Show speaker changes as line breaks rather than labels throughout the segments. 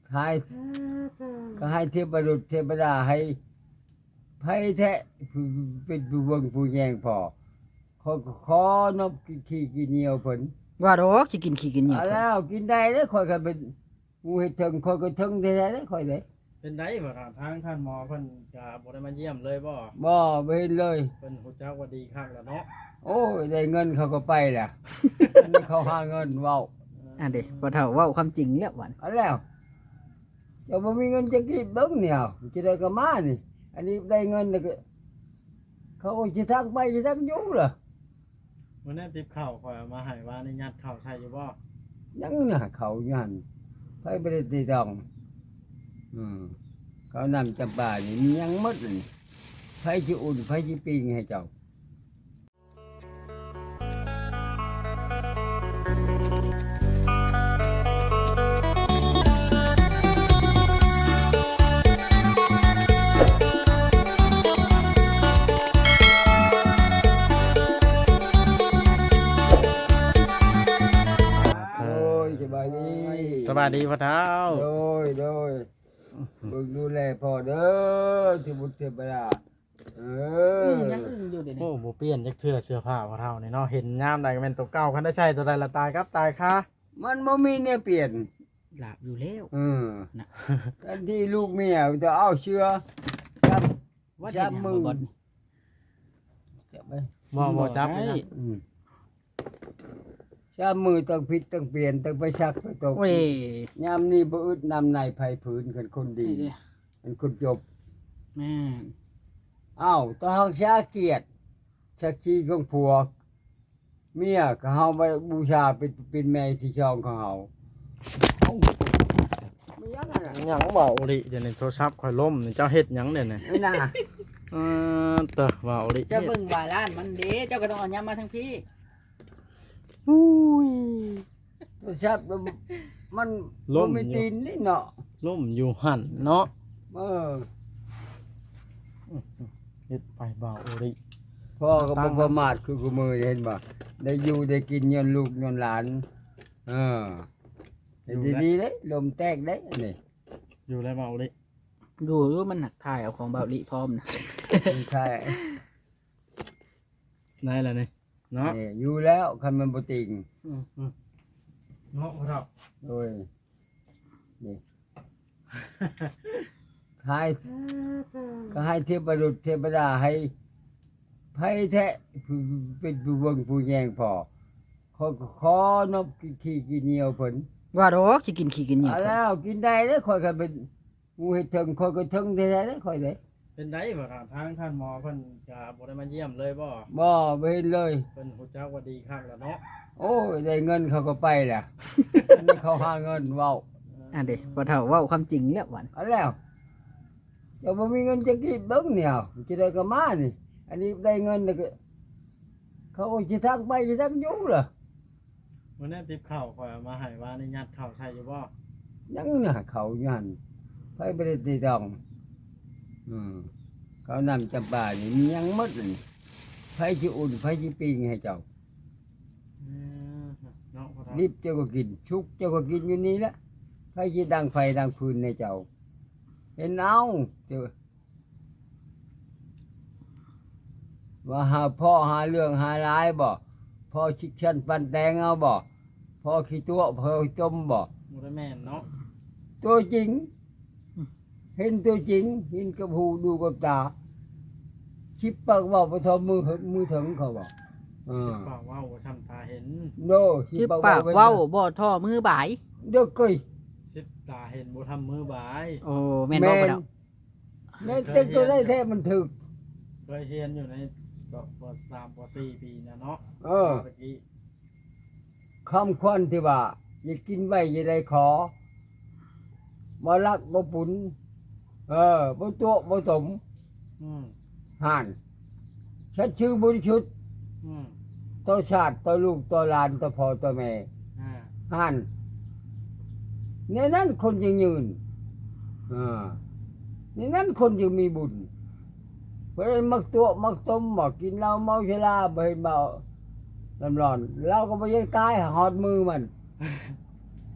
ทายก็ให้เทพบุตรเทพดาให้ไผแท้เป็นผู้เบิ่งผู้แยงพอขอนบขี้กินเหนียวเพิ่น
ว่าดอกสิกินขี้กินเหนียว
เอา
เพิ่น
แล้วกินได้เด้อข่อยก็เป็นผู้เฮ็ดถึงข่อยก็ถึงแท้ๆเด้อข่อยเด้
เป็นไดบ่ครับทางท่านหมอเพิ่นก็บ่ได้มาเยี่ยมเลยบ่
บ่เห็นเลย
เพิ่นฮู้จักว่าดีคักแล้วเนาะ
โอ้ยได้เงินเขาก็ไปแหละ อันนี้เขาหาเงินเว้า
อันเด้บ่เฒ่าเว้าความจริงแล้วหวัน
เอาแล้วเจ้าบ่มีเงินจะกินเบิ่งเนี่ยจะได้ก็มานี่ อันนี้ได้เงินแล้วก็เขาก็สิทักไปสิทักอยู่ล่ะ
มื้อนั้นติบข้าวข่อยเอามาให้ว่านี่ยัดข้าวใส่อยู่บ่
ยังน่ะเขายันไผบ่ได้ติดต้องเขานำจำปานี่มียังหมดนี่ไผสิอุ่นไผสิปิ้งให้เจ้าโอ้ยสบายดี
สวัสดีพ่อเฒ่า
โดยเบิ่งดูแลพ่อเด้อที่บุตรเทพดา
ยังอึ้งอยู่เดี๋ยวนี้
โอ้บ่เปลี่ยนจักเทื่อเสื้อผ้าพ่อเฒ่านี่เนาะเห็นยามใดก็แม่นตัวเก่าคันได้ใช้ตัวใดละตายครับตายค่ะ
มันบ่มีเนี่ยเปลี่ยน
หลับอยู่แล้ว นะ
ทันที่ลูกเมียจะเอาเชื้อจับ
ว่า
จั
เฮ็
บ
ดหยัง
มือ
บ่บ่น
จับไป
บ่จับ
ได้
เลยนะ
จับมือต้องผิดต้องเปลี่ยนต้องไปซักไปตก
โอ้ย
ยามนี้บ่อึดนำในภัยผืนกันคนดี
นี่เด้
เป็นคนจบ
แม่น
อ้าวต้องเฮาชาเกียรติชักชีของผัวเมียก็เฮาไปบูชาเป็นแม่ที่ช่องของเฮาเอ้าไม่ยังไงล่ะ
หยังเว้าอีหลิเดี๋ยวนี้โทรศัพท์ข่อยล่มนี่เจ้าเฮ็ดหยังเนี่ยนี่
นี่น่ะ
เตอเว้าอีหลิ
เจ้าเบิ่งว่าร้านมันเด้เจ้าก็ต้องเอายำมาทั้งพี่
อุ้ย
โทรศัพท์มันบ่มีตีนนี่เนาะ
ล่มอยู่หั่นเนาะ
เออ
เฮ็ดไปเว้าอีหลิ
พ่อก็บ่ประมาทคือกูมือเห็นบ่ได้อยู่ได้กินย้อนลูกย้อนหลานเออเฮ็ดดีๆเด้ลมแตกเด้อันนี้
อยู่แล้วเว้าอีหลิ
ดูอยู่มันหนักถ่ายเอาของเบาหลีพร้อมนะ
ใช่
ได้แล้วนี่เนาะ
นี่อยู่แล้วคันมันบ่ติง
เนาะพ่อเฒ่า
โอ้ยนี่ทายก็ให้เทพบุตรเทพดาให้ไผแท้เป็นผู้เบิ่งผู้แยงพอขอนบขี้กินเหนียวเพิ่น
ว่าดอกสิกินขี้กินเหนียว
เอา
เพิ่น
แล้วกินได้เด้อข่อยก็เป็นผู้เฮ็ดถึงข่อยก็ถึงแท้ๆเด้อข่อยเด้
เป็นไดบ่ครับทางท่านหมอเพิ่นก็บ่ได้มาเยี่ยมเลยบ่
บ่เห็นเลย
เพิ่นฮู้จักว่าดีคักแล้วเนาะ
โอ้ยได้เงินเขาก็ไปแหละ อันนี้เขาหาเงินเว้า
อันเด้บ่เฒ่าเว้าความจริงแล้วหวัน
เอาแล้วเจ้าบ่มีเงินจะกินเบิ่งเนี่ยจะได้ก็มานี่ อันนี้ได้เงินแล้วก็เขาก็สิทักไปสิทักอยู่ล่ะ
มื้อนั้นติบข้าวข่อยเอามาให้ว่านี่ยัดข้าวใส่อยู่บ่
ยังน่ะเขายันไผบ่ได้ติดต้องเขานำจำปานี่มียังหมดนี่ไผสิอุ่นไผสิปิ้งให้เจ้า
เนาะพ่อเฒ่า
รีบเจ้าก็กินชุกเจ้าก็กินอยู่นี่แหละไผสิดังไฟดังฟืนให้เจ้า เห็นเอาเจ้าว่าหาพ่อหาเรื่องหาร้ายบ่พ่อชิกชันปันแตงเอาบ่พ่อขี้ตัวพ่อจมบ่
บ่ได้แม่นเนาะ
ตัวจริง เห็นตัวจริงเห็นกับหูดูกับตาชิปปากเว่าไปทอมือถึงเขาบอก
สิปากเว้าบ่ช้ำตาเห็น
โน
สิปากเว้าบ่ท่อมือบ่าย
เด็กเกย
สิตาเห็นบ่ทำมือบาย
โอ้แม่นบ่บ่เฒ่า
แม่นเต็มตัวได้แท้มันถึก
เคยเรียนอยู่ในป .3 ป .4 ปีนะเนาะ
เออ
ตะกี้
คำควันที่ว่าอย่ากินไว้อย่าได้ขอบ่รักบ่ปุนบ่ตัวบ่สม
อืม
ห่านฉันชื่อบริสุทธิ์
อืม
ต่อชาติต่อลูกต่อหลานต่อพ่อต่อแม่
อ่า
ห่านในนั้นคนยังยืนในนั้นคนยังมีบุญเพราะฉะนั้นมักตัวมักต้มมักกินเหล้าเมาชราบ่เห็นเมาลำร้อนเราก็บ่ยังตายหอดมือมัน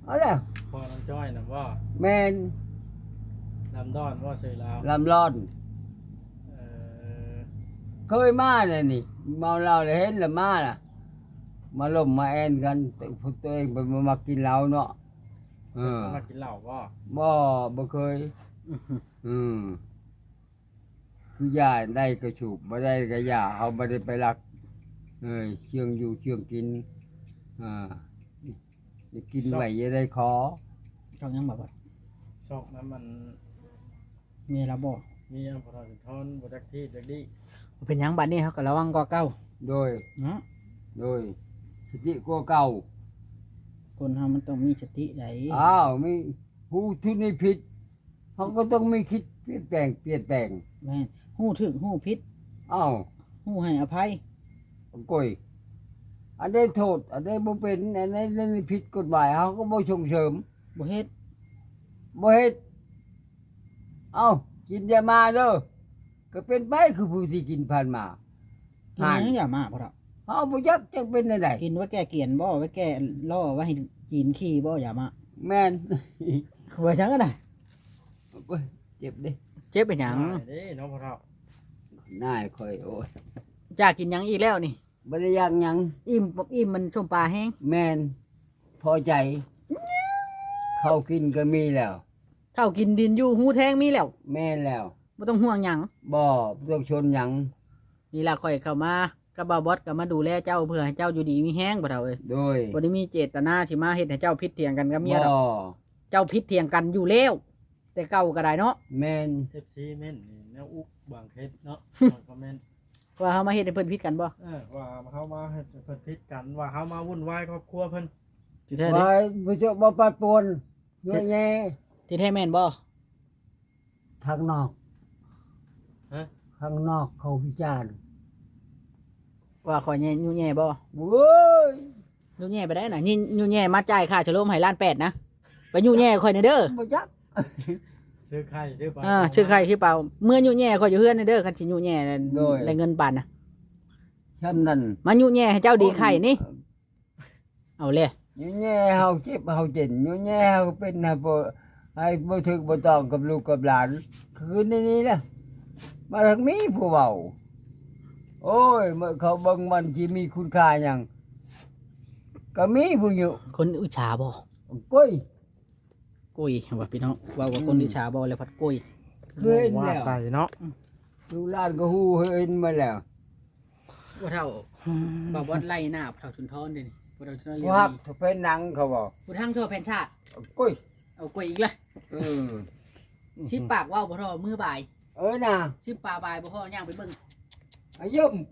เอาแล้ว
พอน้ำจ้อยน่ะว่า
แม่น
ลำดอนว่าซื้อลาว
ลำร้อน
เออ
เคยมาเลยนี่เมาเหล้าเลยเห็นแล้วมาล่ะมาล่มมาแอนกันแต่ตัวเองไปมากินเหล้าเนาะเออ
มากินเหล้าบ่
บ่เคยอืมคือยาได้กระฉูบบ่ได้ก็ยาเอาบ่ได้ไปรักเชื่องอยู่เชื่องกินอ่าได้กินไว้อย่าได้ขอ
ช่องยังบ่บ่
ซอกนั้นมัน
มีระบ่
มีอันพอถึงทอนบ่จักที่จักดี
เป็นหยังบัดนี้เฮาก็ระวังกว่าเก่า
โดย
เนาะ
สติกว่าเก่า
คนเฮามันต้องมีสติได้
อ้าวมีหูทุนนี่ผิดเขาก็ต้องมีคิดเปลี่ยนแปลง
แม่นฮู้ถึกฮู้ผิด
อ้าว
ฮู้ให้อภัย
ก่อยอันใดโทษอันใดบ่เป็นอันใดเรื่องผิดกฎหมายเขาก็บ่ส่งเสริม
บ่เฮ็ด
บ่เฮ็ดเอ้ากินยามาเด้อก็เป็นไปคือผู้ที่กินผ่านมา
กินหยังอย่ามาพ่อเฒ่า
เฮาบ่ยักจักเป็นได้
กินไว้แก้เกียนบ่ไว้แก้ล่อไว้ให้จีนขี้บ่อย่ามา
แม่น
ว่าจังก็ได้
โอ้ยเจ็บเด้
เจ็บเป็นหยัง
เด้เนาะพ่อเฒ่า
นายค่อยโอ้ย
จ้ากินหยังอีกแล้วนี่
บ่ได้ยักหยัง
อิ่มมันชมปลาแห้ง
แม่นพอใจข้าวกินก็มีแล้ว
เท่ากินดินอยู่หูแทงมีแล้ว
แม่นแล้ว
บ่ต้องห่วงหยัง
บ่ต้องชนหยัง
นี่ล่ะข่อยเข้ามากับบ่าวบอสก็มาดูแลเจ้าเพื่อให้เจ้าอยู่ดีมีแห้งบ่เฒ่าเอ้ย
โดย
บ่ได้มีเจตนาสิมาเฮ็ดให้เจ้าพิษเถียงกันกับเมียดอก
บ่
เจ้าพิษเถียงกันอยู่แล้วแต่เก่าก็ได้เนาะ
แม่น
FC เม่นนี่แนวอุกบางเคสเนาะคอมเมนต์
ว่าเฮามาเฮ็ดให้เพิ่นพิษกันบ่
ว่าเฮามาให้เพิ่นพิดกันว่าเฮามาวุ่นวายครอบครัวเพิ่น
ที่แท้เด้
ไว้บ่เจาบ่ปัดปนเยอะแยะ
ที่แท้แม่นบ่
ทางนอก
ฮะ
ข้างนอกเขาวิจารณ์
ว่าข่อยแย่ยู่แย่บ่
โว้ย
ยู่แย่ไปได้น่ะนี่ยู่แย่มาจ่ายค่าฉลมให้ล้านแปดนะไปยู่แย่ข่อยในเด้อ
บ่ยัก
ซื้อไข่ซื้อปลา
ชื่อใครคือเปล่าเมื่อยู่แย่ข่อยอยู่เฮือนในเด้อคันสิยู่แย่ได้เงินปานน่ะ
ช้ำนั่น
มายู่แย่ให้เจ้าดีไข่นี่เอาเลย
อยู่แย่เฮาเจ็บเฮาเจ็นอยู่แย่เฮาเป็นให้บ่ถึกบ่ต้องกับลูกกับหลานคือในนี้แหละมาทางนี้ผู้เว้าโอ้ยเมื่อเขาเบิ่งมันสิมีคุณค่าหยังก็มีผู้อยู่
คนอิจฉาบ่
ก้อย
กุยว่าพี่น้องว่าคนอิจฉาบ่แล้วพัดกุย
เคยเห็น
ว่า
แล้ว
ไปเนาะ
ลูกหลานก็ฮู้เห็นมาแล้ว
ว่าเท่าบ่าวบอสไล่หน้าเท่าชุนทอนเด้นี่บ่เท่าชุนทอนเรีย
ผู้
น
ฮัก
ดี
ถ้าเป็นหนังเขาบอก
ผู้ทั้งทั่วแผ่นชาติ
ก้อย
เอากุยอีกละ
เออ
สิปากว่าวบ่เท่ามือบ่าย
น่ะ
สิปากบ่ายบ่พอย่างไปเบิ่ง
อายุม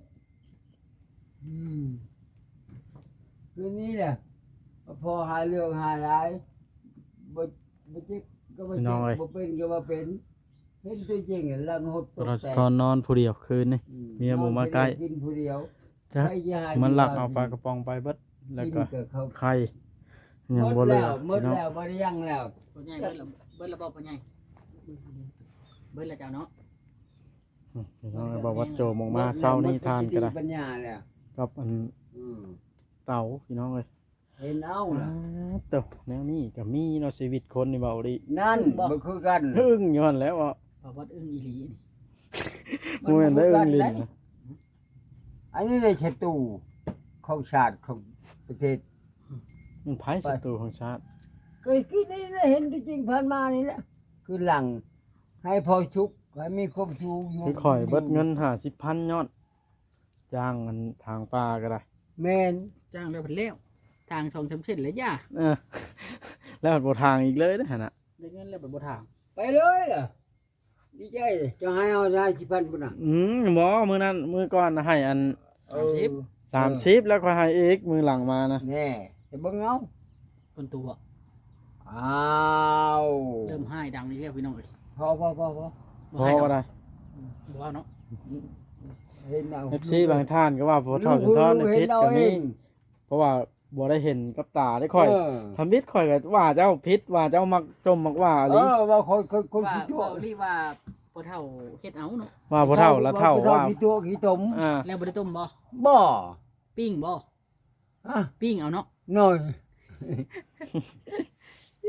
คืนนี้แหละพอหาเรื่องหาหลายบ่เจ็บก็บ่เจ็บบ่เป็นก็บ่เป็นเห็นตัวจริงลังหดตก
เรา
แต
จะ
ก
ทอนนอนผู้เดียวคืนนี่ เมียบ่มาใกล้
กินผู้เดียว
จะ
ใครจะหา
มันหลักเอาปลากระป๋องไปเบิดแล้วก็
กินเขา
ไข่ยังบ่เหลือ
หมด
พี่น้อง
แล้วบ่ได้ยังแล้ว
พ่อใหญ่เบิ่งระบบพ่อใหญ่เบิ่งแล้วเจ้าเนาะ
พี่น้องบอกว่าโจมออกมาเช้านี้ทานก็ได้
ปัญญาแล้ว
กับอัน
อืม
เต่าพี่น้องเอ้ย
เห็นเอาล่ะ
เต่าแนวนี้ก็มีเนาะชีวิตคนนี่เบาดิ
นั่นบ่คือกัน
อึ้งอยู่หั่นแหล้วอ่ะ
บ่าวบอสอึ้งอีหลีนี่
บ่แม่นได้อึ้งลิ้นนะ
อันนี้ได้ศัตรูของชาติของประเทศ
มันไผศัตรูของชาติ
เคยคิดนี่นะเห็นที่จริงผ่านมานี่แหละคือหลังให้พอชุกให้มีความชูอยู่
คือข่อยเบิดเงิน50,000ยอดจ้างอันทางป่าก็ได้
แม่น
จ้างแล้วเพิ่นแล้วทางทองชำเส้นแล้วย่า
เออแล้วบ่ทางอีกเลยนะหั่นน่ะ
ได้เงินแล้วบ่ทาง
ไปเลยล่ะดีใจเลยจะให้เอาได้สิพันพุ่นน่ะ
บ่มื้อนั้นมื้อก่อนน่ะให้อัน
30
แล้วก็ให้อีกมื้อหลังมานะ
แน่จะเบิ่งเอา
คนตัว
อ้าว
เริ่มให้ดังนี่แล้วพี่น้องเอ้ย
พอ
พอ
ให้
บ่ได้
บ่ว่าเนาะ
เห็นเอา
FC บางท่านก็ว่าบ่เท่าจนทอนในพิษก็มีเพราะว่าบ่ได้เห็นกับตาได้ค่อยทำพิษค่อยก็ว่าเจ้าพิษว่าเจ้ามักจมมักว่าอะไร
ว่าคน
ว่า
ขี้ตัว
ว่ารีว่าพ่อเฒ่าเฮ็ดเอาเนาะ
ว่าบ่เท่าละเท่าว่า
ขี้ตัวขี้ตม
แล้วบ่ได้ต้มบ่
บ่
ปิ้งบ่
ฮะ
ปิ้งเอาเนาะ
หน่อย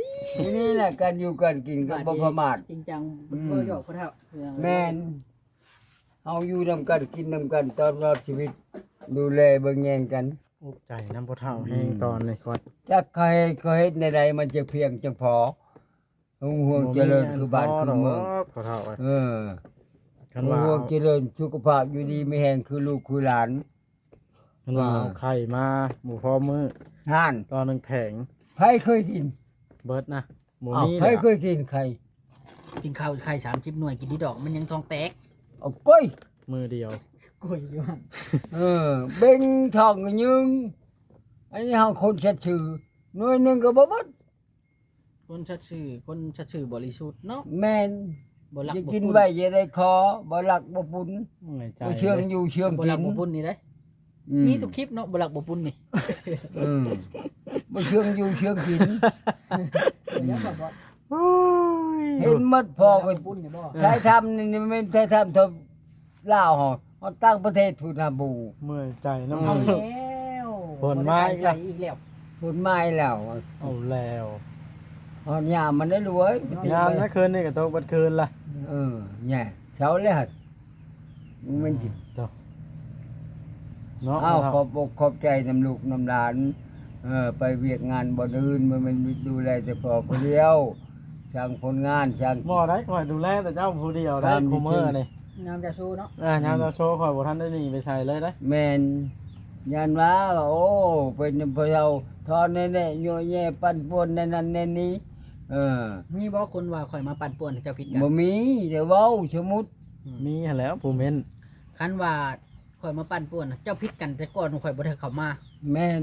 นี่แหละการอยู่กันกินก็บ่ประมาท
จริงจัง
อืม
บ่หยอกพ่อเฒ่า
แม่นเฮาอยู่นำกันกินนำกันตลอดชีวิต ดูแลเบิ่งแยงกัน
อุกใจน้ำพ่อเฒ่าแห้งตอนนี้ก่อน
จักใครก็เฮ็ดในใดมันจะเพียงจังพอห่วงเจริญคือบ้านคือเมือง
พ่อเฒ่าอะ
เออ
คันว่า
ห่วงเจริญสุขภาพอยู่ดีมีแฮงคือลูกคือหลาน
คันว่าเอาไข่มาหมูพอมือ
ห่าน
ตอนหนึงแผง
ไผเคยกิน
เบิดนะหมู
อ้าว
นี้
ไผ
เลย
เคยกินไข่
กินข้าวไข่30หน่วยกินที่ดอกมันยังท้องแตก
เอาก้อย
มือเดียว
กล้วยอยู่หั่น
เออเบ่งทองก็ยึงอันนี้เฮาคนชัดชื่อหน่วยหนึงก็บ่เบิด
คนชัดชื่อบริสุทธิ์เนาะ
แม่น
บ่รัก
จะ
บ่
กิน
ปุ่น
ไว้อย่าได้คอบ่หลักบ่ปุ่น
เมื่อยใจ
บ่เชื่องอยู่เชื่อง
บ่
กิ
รัก
น
บ่ปุ่นนี่เด้
อื
มีทุกคลิปเนาะบ่รักบ่ปุ่นนี่
อืมบ่เชื่องอยู่เชื่องกิน
เดี๋ยวบอกว่า
โอ้ย
เห็นหมดพอก็
บ่ปุ่นนี่บ่
ใช้ทำนี่ไม่ใช้ทำทบลาวเฮาเฮาตั้งประเทศพุทธบู
เมื่อยใจน้ำ
เอา
มือ
แล้ว
ผลไม้อีก
ใส่
แล้ว
อีกแล้ว
พูดไม่แล้ว
เอาแล้ว
เฮายามมันได้รวย
งานนะคืนนี่ก็ตกบัดคืนล่ะ
เออแย่เช้าเลยหั่นมันสิ
เจ้าเนาะ
อ้าว
พ่อ
ขอ
เฒ่า
บอกขอบใจน้ำลูกน้ำหลานไปเวียกงานบ่อื่นมันดูแลแต่พอผู้เดียวช่างผลงานช่าง
บ่ได้คอยดูแลแต่เจ้าผู้เดียวได้
ตามที่
คูเมอร์นี่
น้ำจะสู้เนาะ
ยามเราโชว์คอยบ่ทันได้หนีไปใส่เลยได้
แม่นยันว่าโอ้เป็นพะเยาทอนแน่ๆยั่วแย่ปั่นป่วนในนั้นในนี้เออ
มีบ่คนว่าข่อยมาปั่นป่วนให้เจ้าผิดกัน
บ่มีเดี๋ยวเว้าสมมุติ
มีหั่นแหล้วผู้เม่น
คันว่าข่อยมาปั่นป่วนน่ะเจ้าผิดกันแต่ก่อนข่อยบ่ได้เข้ามา
แม่น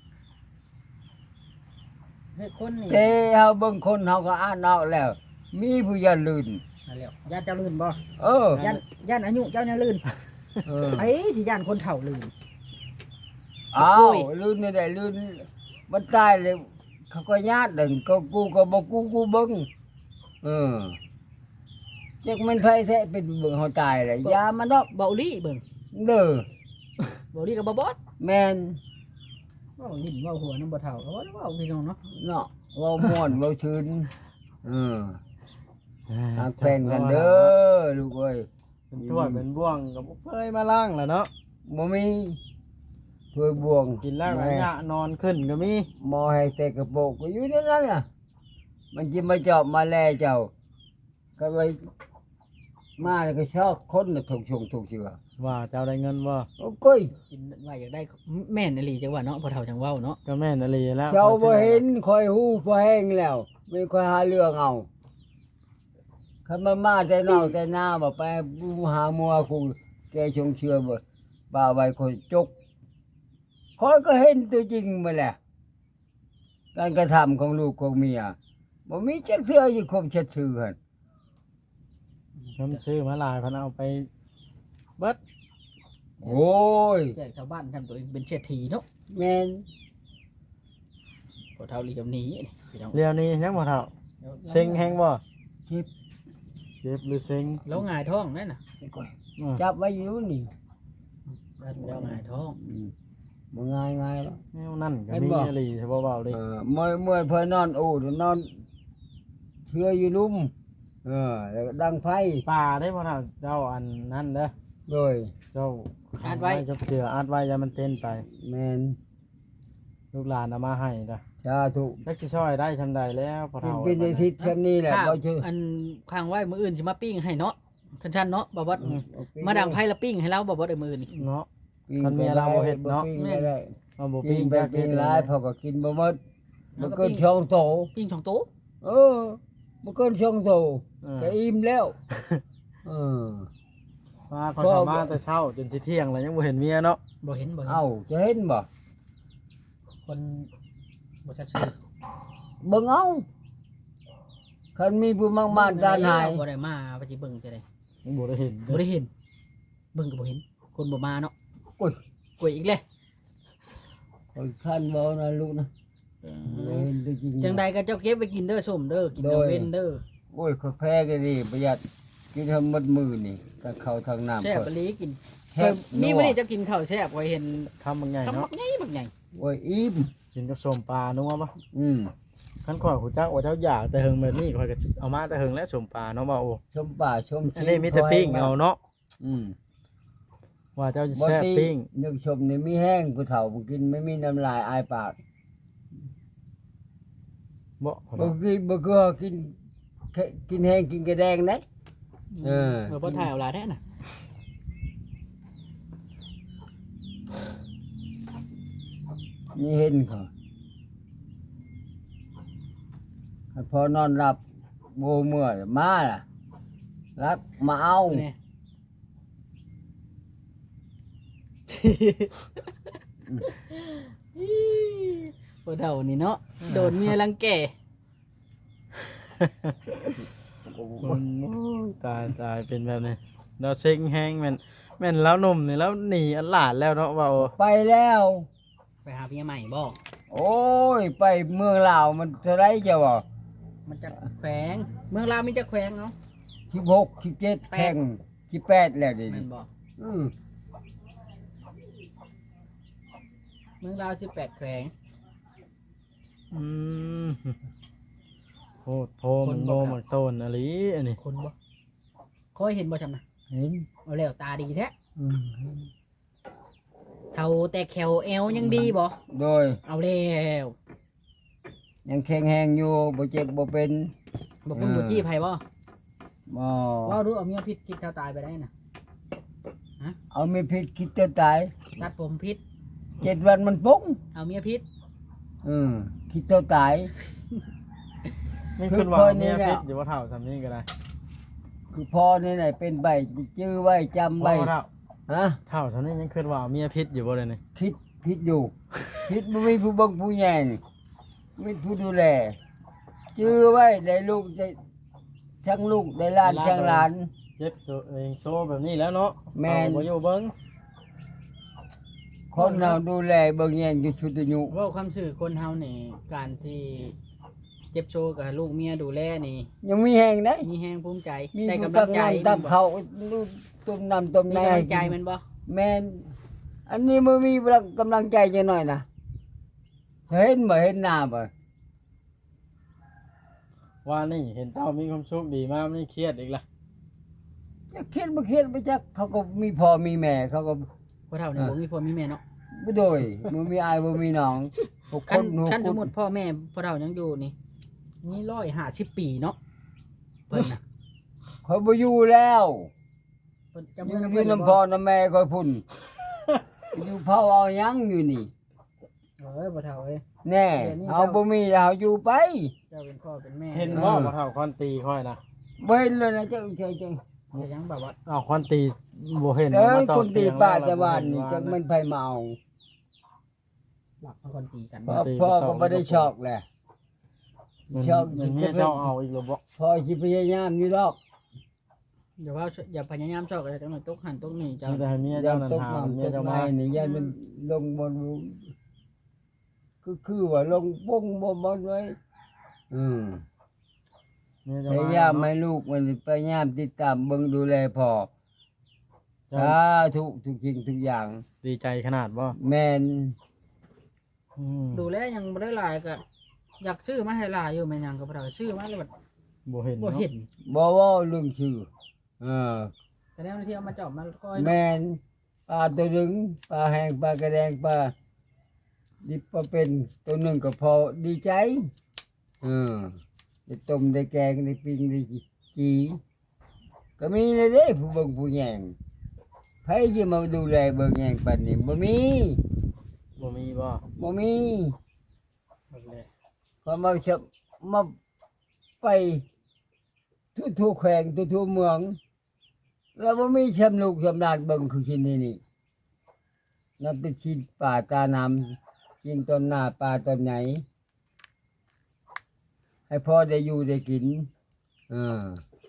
เฮ้ยคนนี่
แต่เฮาเบิ่งคนเฮาก็อ่านออกแล้ว มีผู้ยันลื่น
นั่นแหล้วย่านเจ้าลื่นบ่
เออ
ย่านอายุเจ้าเนี่ยลื่น
เออ
ไอ้ที่ย่านคนเฒ่าลื่น
อ้า
โอ้
วย ลื่นนี่ได้ลื่นมันตายเลยเขาก็ญาติดึงก็กูก็บ่กูเบิ่งเออจักมันไผแท้เป็นเบิ่งเฮาตายเลยยามันดอก
เบาลี่เบิ่ง
เด้อ
เบาลี่กับบ่บอส
แม่น
เว้าลิ้นเว้าหัวน้ำบ่เฒ่าก็ว่าเว้าพี่น้องเนาะ
เนาะเว้าม่วนเว้าชื่นเออหักแป้งกันเด้อลูกเอ้ย
เป็นถ้วยเป็นบ่วงก็บ่เคยมาล้างแล้วเนาะ
บ่มีถ้วยบวง
กินแล้วก็ยะนอนขึ้นก็มี
หมอให้แต่กระโปรงก็อยู่ในนั้นน่ะ มันจะมาเจาะมาแลเจ้า ก็เลยมาแล้วก็ชอบคนน่ะถูกชงถูกเชื่อ
ว่าเจ้าได้เงินบ่
โอ้ก้ย
กินว่าอยากได้แม่นอีหลีจังว่าเนาะพ่อเฒ่าจังเว้าเนาะ
ก็แม่นอลีแล้ว
เจ้าบ่เห็นคอยฮู้พอแห้งแล้วไม่ค่อยหาเรื่องเอาคันมาแต่นอกแต่หน้าบ่ไปหามัวกูแกชงเชื่อบ่บ่าไว้คนจกคอยก็เห็นตัวจริงมาแหละการกระทำของลูกของเมียบ่มีจักเทื่ออยู่คมชัดชื่อหั่น
ผมซื้อมาหลายพันเอาไปเบิด
โอ้ย
แจกชาวบ้านทำตัวเองเป็นเศรษฐีเนาะ
แม่น
พ่อเฒ่าลีกับหนี้นี่พี่น้อง
เรียวนี้ยังบ่เท่าเซ็งแฮงบ่
จิบ
เจ็บหรือเซ็ง
แล้วหงายท้องนั่นน่ะ
จับไว้อยู่นี่
แล้วหงายท้อง
บ่ง่ายๆแล้ว
แนวนั่นก็
เห็น
มี
บ่
อลีใช่บ่เบาดิ
เมื่อเพิ่นนอนโอ้นอนเชื่ออยู่ลุ่มแล้วก็ดังไฟ
ป่าได้บ่เท่าเจ้าอันนั้นเด้อ
โดย
เจ้า
อัดไว้
เจ้าเสืออัดไว้อย่ามันเต้นไป
แม่น
ลูกหลานเอามาให้เด้อ
สาธุ
จักสิช่วยได้ซำใดแล้วพอ
กิน
เท่า
เป็นอาทิตย์ซ้ํนี้แหละ
ข้าว
บ่ชื่อ
อันข้างไว้มื้ออื่นสิมาปิ้งให้เนาะคันชันเนาะบ่บ่
เอาปิ้
มาดังไผละปิ้งให้เราบ่บ่ได้มื้อนี่
เนาะ
ปิ้ง
คันเมียเราบ่เฮ็ดเนาะ
ปิ้งไม่ได้
เอาบ่
ปิ้
ปิ้
ง
ง
ไป
จัก
ปิ้
เฮ็
ง
ด
หลายพอก็กินบ่หมด
แล้ว
บ่
ก็
เกิน
ปิ้ง
ช่องโต
ปิ้ง2โต๊ะ
เออบ่เกินช่องโต
เออ
ก็อิ่มแล้วเออ
มาคนเข้ามาแต่เช้าจนสิเที่ยงแล้วยังบ่เห็นเมียเนาะ
บ่เห็นบ่เห็น
เอ้าจะเห็นบ่
คนบ่ชัดชื่อ
เบิ่งเอาคันมีผู้มากๆด้านหาย
บ่ได้มาไปสิเบิ่งจะได้
ยังบ่ได้เห็น
บ่ได้เห็น เบิ่งก็บ่เห็น คนบ่มาเนาะ
โอ้ย
กล้วยอีกแล้ว
คนท่านบ่นะลูกนะเห็นตัวจริง
จังใดก็เจ้าเก็บไว้กินเด้อส้มเด้อกินเด้อเว้นเด้อ
โอ้ยข้าแพ้ก็ดีประหยัดกินทำหมดมือนี่ถ้าเข้าทางน้ำ
แซ่บ
ก็
อีหลีกิน
แซ่บ
มีมื้อนี้เจ้ากินข้าวแซ่บไว้เห็น
คำบางใหญ่
คำบั
เนาะ
กใหญ่บักใหญ่
โอ้ยอิ่ม
กินกับส้มปลานัวบ่
อืม
คันข่อยฮู้จักว่าเจ้าอยากแต่เฮิงแบบนี้ข่อยก็เอามาแต่เฮิงและสมปลาเนาะบ่โอ้
ชมป่าชม
อันนี้มีแต่ปิ้งเอาเนาะ
อืม
ว่าเจ้าจะ
บ่
แซ่บ
ตี
ปิ้ง
นึกชมนี่มีแห้งผู้เฒ่าบ่กินไม่มีน้ำลายอายปาก
บ่
บ่กินบ่คือกินแห้งกินกระแดงได้เออ
บ่ถ่ายเอาหลายแท้น่ะ
นี่เห็นเขาพอนอนหลับโบเมื่อยมาล่ะรักมาเอา
นี่ บ่เท่านี่เนาะโดนเมียรังแก
ตายเป็นแบบนี้เราเซ็งแฮงแม่นแล้วหนุ่มนี่แล้วหนีอันหลาดแล้วเนาะว่าโอ้
ไปแล้ว
ไปหาเมียใหม่บ่
โอ้ย ไปเมืองลาวมันเท่าไรจะบ่
มันจะแขวงเมืองลาวมีจะแขวงเนาะ
16 17แข่ง18แล้วเดิ
แม่นบ่
อืม
เมืองลาว18แขวง
อืมโหดโพมันโมมันโตนอะไรอันนี้
คนบ่เคยเห็นบ่จำนะ
เห็น
เอาแล้วตาดีแท้
อืม
เท่าแต่แขวเอวยังดีบ่
โดย
เอาแล้ว
ยังแข็งแรงอยู่บ่เจ็บบ่เป็น
บ่คุณบ่จี้ไผบ่
บ่
ว่ารู้เอาเมียพิษคิดเท่าตายไปได้น่ะ
เอาไม่ผิดคิดจะตาย
ตัดผมพิษ
7 วันมันปุ้ง
เอาเมียพิษ
คิดจะตาย
นี่ขึ้นว่า
คือคนนี้
เมีย
เนี่ย
พิษอยู่ว่าเท่าทำนี้ก็ได้
คือพ่อนี่ไหนเป็นใบจื้อไว้จำ
บ่
ไว้
เท่า
ฮะ
เท่าทำนี้ยังขึ้นว่าเมียพิษอยู่บ่เลยนี่
คิดอยู่ คิดบ่มีผู้เบังผู้แยงมีผู้ดูแลจื้อไว้ได้ลูกได้ช่างลูกได้หลานช่างหลาน
เจ็บตัวเองโซแบบนี้แล้วเนาะ
แม่น
เอาบ่อยู่เบิ่ง
คนเราดูแลเบิ่งแยงอยู่ชุดอายุ
เว่าความสื่อคนเฮานี่การที่เจ็บโชว์กับลูกเมียดูแลนี่
ยังมีแหงได้
มีแฮงภูมิใจ
มี
ได้
ผู้
กำลังใจ
ตับเขาลูกต้มน้ำต้ม
มี
ใน
กำลังใจแมันบ่
แม่นอันนี้มันมีกำลังใจจะหน่อยนะเห็นบ่เห็นหน้าบ่
ว่านี่เห็นเจ้ามีความสุขดีมากไม่เครียดอีกละ
จะเครียดบ่เครียดบ่จักเขาก็มีพ่อมีแม่เขาก็
พ่อเฒ่านี่บ่มีพ่อมีแม่เนาะ
บ่โดยบ่มีอายบ่มีน้องหก
คัน
หก
คันสมมุติพ่อแม่พ่อเฒ่ายังอยู่นี่มี150ปีเนาะเพิ่นน่ะ
เขาบ่อยู่แล้ว
เพิ่น
อ
จะ
ยู่
เมื่อ
อยู่น้ำพ่อน้ำแม่คอยพุ่นอยู่เผาเอาหยังอยู่นี่
พ่อเฒ่าเอ้ย
แน่เอาบ่มีแล้วเอาอยู่ไป
เจ้าเป็นพ่อเป็นแม่
เห็นว่าบ่เท่าคอนตีค่อยนะ
บ่เห็นเลยนะเจ้าเจ้า
แต่ยังแบบว่า
อ้าวคอนตีบ่เห็น
เอ้
มาย ตอ
คนตี
เยง
ป้า
แล้ว
จะบ้านนี่
บ่
จั
เห็
ก
ว่า
มันไผมาเอา
หลักคนตีกัน
พ่อก็บ่ได้ชอกแหละ
มัน
ชอบ
มันเมียเจ้าเอาอีกแล้วบ่
พ่อสิพยายามอยู่ดอก
อย่าว่าอย่าพยายามชอบอะไรจังหน่อยตกหันตกนี่เจ้า
มีแต่ให้เมีย
ยั
เจ้าง นั่น
ตก
ถาม
น้ำ
เมี
ต
ย
ก
เจ้า
ไม้
มา
นี่ยันมันลงบนคือว่าลงปุ้งบ่ไว้อืม
เมีย
พ
เจ้าย
ายาม
มา
ให้ลูกมันพยายามติดตามเบิ่งดูแลพ่อ
เจ้า
ทุกสิ่งทุกอย่าง
ดีใจขนาดบ่
แม่น
อืม
ดูแลยังบ่ได้หลายก็อยากซื้อมาให้หลายอยู่แม่นยังก็บ่ได้ซื้อมาแล้วแบบ
บ่เห็น
บ่
เนาะ
เห็น
บ่เว้าเรื่องชื่อเออ
แต่แล้วที่เอามาจอบมาก้อย
แม่นปลาตัวหนึงปลาแห้งปลากระแดงปลาดิบปลาเป็นตัวหนึงก็พอดีใจเออได้ต้มได้แกงได้ปิ้งได้จีก็มีเลยเด้ผู้เบิ่งผู้แยงไผสิมาดูแลเบิ่งแยงปานนี้บ่มี
บ่มีบ่
บ่มี
บ่เลย
พอมาไปทั่วๆแขวงทั่วๆเมือง แล้วบ่มีชำลูกชำนาญเบิ่งคือกินนี่นับเป็นชิ้นป่าตาน้ำชิ้นต้นหน้าป่าต้นไหน ให้พ่อได้อยู่ได้กินเออ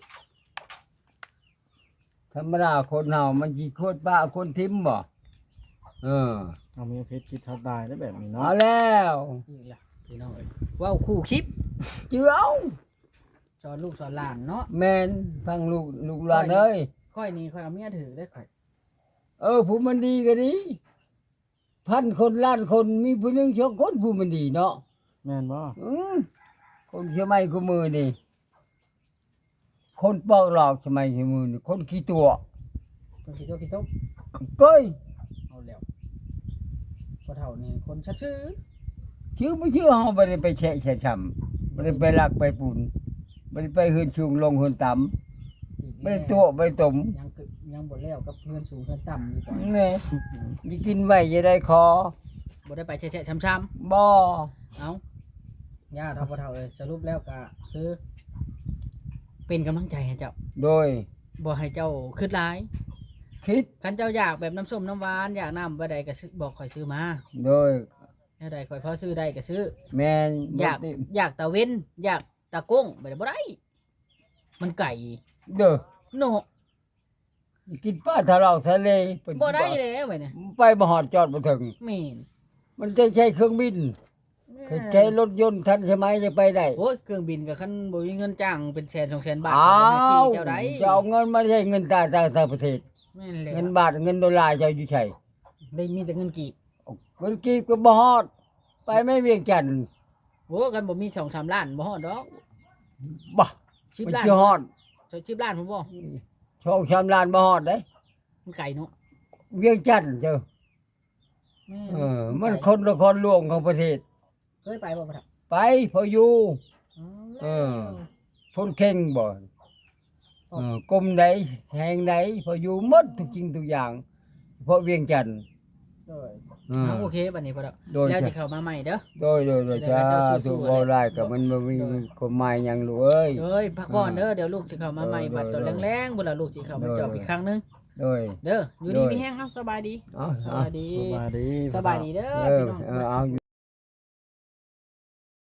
ธรรมดาคนเฮามันสิโคตรป้าคนทิมบ่เออ
เอาเมียเพชรคิดเท่าตายได้แบบนี้เนาะ
เอาแล้ว
อีกล่ะพี่น้องเอ้ยเว้าคู่คลิป
เจือเอา
สอนลูกสอนหลานเนาะ
แม่นฟังลูกหลานเอ้ย
ค่อยนี่ค่อยเอาเมียถือได้ค่อย
ผู้มันดีก็ดีพันคนล้านคนมีผู้หนึงสองคนผู้มันดีเนาะ
แม่นบ่
อืมคนเชื่อไม่กูมือนี่คนปอกหลอกสมัยเชื่อมือนี่คนขี้ตัว
คนขี้โต๊ะขี้โต๊ะ
เก้ย
เอาแล้วพอเฒ่านี่คนชัดชื่อ
ชื่อไม่ชื่อเฮาบ่ได้ไปแฉะช้ำบ่ได้ไปลักไปปุ่นบ่ได้ไปหืนสูงลงหืนต่ำบ่ได้ตัวบ่ได้ตม
ยังบ่แล้วกับเพื่อนสูงเพื่อนต่ำอยู่ตอน
แนี่สิกินไว้จะได้คอ
บ่ได้ไปแฉะๆช้ำๆ
บ่
เอาญาติพอเฒ่าสรุปแล้วก็คือ เป็นกำลังใจให้เจ้า
โดย
บ่ให้เจ้าคิดร้าย
คิด
คันเจ้าอยากแบบน้ำส้มน้ำหวานอยากน้ำบ่ใดก็ซื้อบอกข่อยซื้อมา
โดย
แนวใดข่อยพอซื้อได้ก็ซื้อ
แม่น
อยากตะเว้นอยากตะก้งบ่ได้บ่ได้มันไก่
เด้อ
โน
กินปลาทะเลาะทะเลเพิ่น
บ่ได้แล้วเว้ยเนี่ย
ไปบ่ฮอดจอดบ่ถึง
แม่น
มันจะใช้เครื่องบินใช้รถยนต์ทันสมัยจะไปได้
โอ้ยเครื่องบินก็คันบ่มีเงินจ้างเป็นแสน200,000 บาท
อ้า
ก็บ่ให้
ว
ขี่เจ้าได้
จะเอาเงินมาใช้เงินต่างประเทศ
แม่นแล้ว
เงินบาทเงินดอลลาร์จะอยู่ใช้
ได้มีแต่เงินกีบ
เงินกีบก็บ่ฮอด ไปไม่เวียงจันทน์
โอ้กันบ่มี2-3 ล้านบ่ฮอดดอก
บ่
10
มัน
ล้าน
สิฮอด
10 ล้านผมบ่
ช่องชามล้านบ่ฮอดเด้
มันไก่เนาะ
เวียงจันทน์เจ้า
แม่
มัน
ไก่
คนละครหลวงของประเทศ
เคยไปบ่ครับ
ไปพออยู่
เออ
คนเข่งบ่กรมใดแห่งใดพออยู่หมดทุกสิ่งทุกอย่าง เพราะเวียงจันทน์
โดย
อืม
เอาโอเคบัดนี้พอแล้ว
โดย
แล้ว
จ้ะ
จะเข้ามาใหม่เด้อ
โดยจ้าถูกบ่ได้ก็มันบ่มีกฎหมายหยังลูกเอ้ย
เอ้ยพักผ่อนเด้อเดี๋ยวลูกสิเข้ามาใหม่
โดย
บัดตอน
โดย
แรงๆบ่ล่ะลูกสิเข้ามาจอบอีกครั้งหนึง
โดย
เด้ออยู่ดี
โดย
มีแฮงเฮาสบายดี
เอา
ส
เอา
บายดี
สบายดี
สบายดีเด้อ
เออ
พี่น้อง
เอา